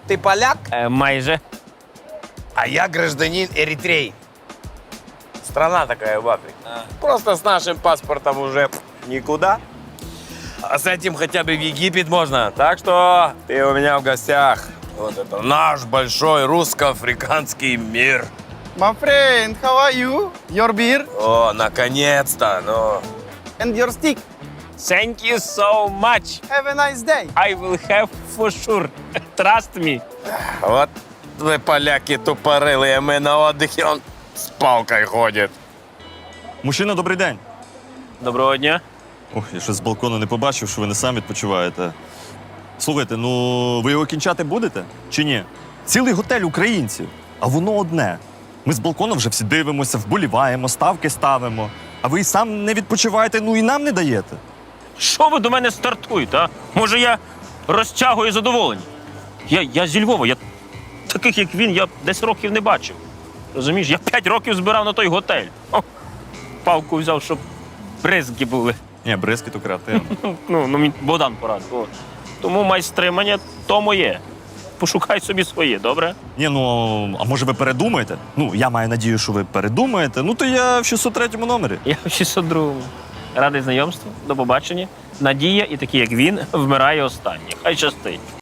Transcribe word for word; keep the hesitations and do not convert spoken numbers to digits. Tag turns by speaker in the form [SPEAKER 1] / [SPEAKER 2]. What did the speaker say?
[SPEAKER 1] Ты поляк,
[SPEAKER 2] Е, майже.
[SPEAKER 1] а я гражданин Эритреи. Страна такая в Африке. Просто с нашим паспортом уже никуда. А с этим хотя бы в Египет можно. Так что ты у меня в гостях. Вот это наш большой русско-африканский мир.
[SPEAKER 3] My friend, how are you? Your beer
[SPEAKER 1] О, наконец-то, ну.
[SPEAKER 3] and your stick.
[SPEAKER 2] Thank you so much.
[SPEAKER 3] Have a nice day.
[SPEAKER 2] I will have for sure. Trust me.
[SPEAKER 1] Вот вы, поляки, тупорылые, мы на отдыхе, он с палкой ходит.
[SPEAKER 4] Мужчина, добрий день.
[SPEAKER 2] Доброго дня.
[SPEAKER 4] Ох, я щось з балкону не побачив, що ви не сам відпочиваєте. Слухайте, ну ви його кінчати будете чи ні? Цілий готель українців, а воно одне. Ми з балкону вже всі дивимося, вболіваємо, ставки ставимо. А ви і сам не відпочиваєте, ну і нам не даєте.
[SPEAKER 2] Що ви до мене стартуєте, а? Може, я розтягую задоволення? Я, я зі Львова, я таких, як він, я десь років не бачив. Розумієш, я п'ять років збирав на той готель. О, палку взяв, щоб бризки були.
[SPEAKER 4] Ні, бризки то креативно.
[SPEAKER 2] Ну, ну мені Богдан порадив. О. Тому майстримання то моє. Пошукай собі своє, добре?
[SPEAKER 4] Ні, ну, а може ви передумаєте? Ну, я маю надію, що ви передумаєте. Ну, то я в шістсот третьому номері.
[SPEAKER 2] Я в шістсот другому. Радий знайомству, до побачення. Надія і такі, як він, вмирає останній. Хай щастить.